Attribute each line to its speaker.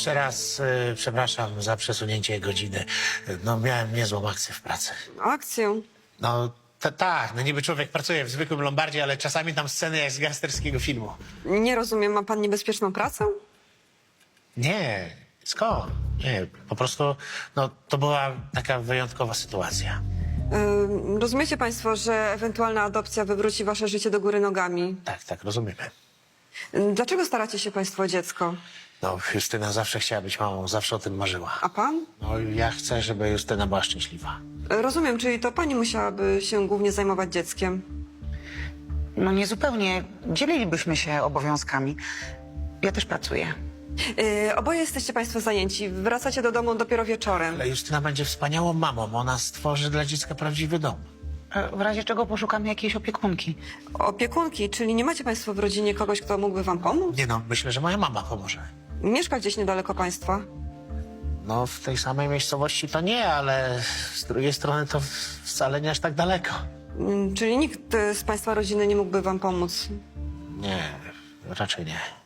Speaker 1: Jeszcze raz przepraszam za przesunięcie godziny. No, miałem niezłą akcję w pracy.
Speaker 2: Akcję.
Speaker 1: No, tak, no niby człowiek pracuje w zwykłym lombardzie, ale czasami tam sceny jak z gangsterskiego filmu.
Speaker 2: Nie rozumiem, ma pan niebezpieczną pracę?
Speaker 1: Nie, skąd? Nie, po prostu, no, to była taka wyjątkowa sytuacja.
Speaker 2: Rozumiecie państwo, że ewentualna adopcja wywróci wasze życie do góry nogami?
Speaker 1: Tak, rozumiemy.
Speaker 2: Dlaczego staracie się państwo o dziecko?
Speaker 1: No, Justyna zawsze chciała być mamą, zawsze o tym marzyła.
Speaker 2: A pan?
Speaker 1: No, ja chcę, żeby Justyna była szczęśliwa.
Speaker 2: Rozumiem, czyli to pani musiałaby się głównie zajmować dzieckiem.
Speaker 3: No niezupełnie. Dzielilibyśmy się obowiązkami. Ja też pracuję.
Speaker 2: Oboje jesteście państwo zajęci. Wracacie do domu dopiero wieczorem.
Speaker 1: Ale Justyna będzie wspaniałą mamą, ona stworzy dla dziecka prawdziwy dom.
Speaker 3: W razie czego poszukamy jakiejś opiekunki.
Speaker 2: Opiekunki, czyli nie macie państwo w rodzinie kogoś, kto mógłby wam pomóc?
Speaker 1: Nie no, myślę, że moja mama pomoże.
Speaker 2: Mieszka gdzieś niedaleko państwa.
Speaker 1: No, w tej samej miejscowości to nie, ale z drugiej strony to wcale nie aż tak daleko.
Speaker 2: Czyli nikt z państwa rodziny nie mógłby wam pomóc.
Speaker 1: Nie, raczej nie.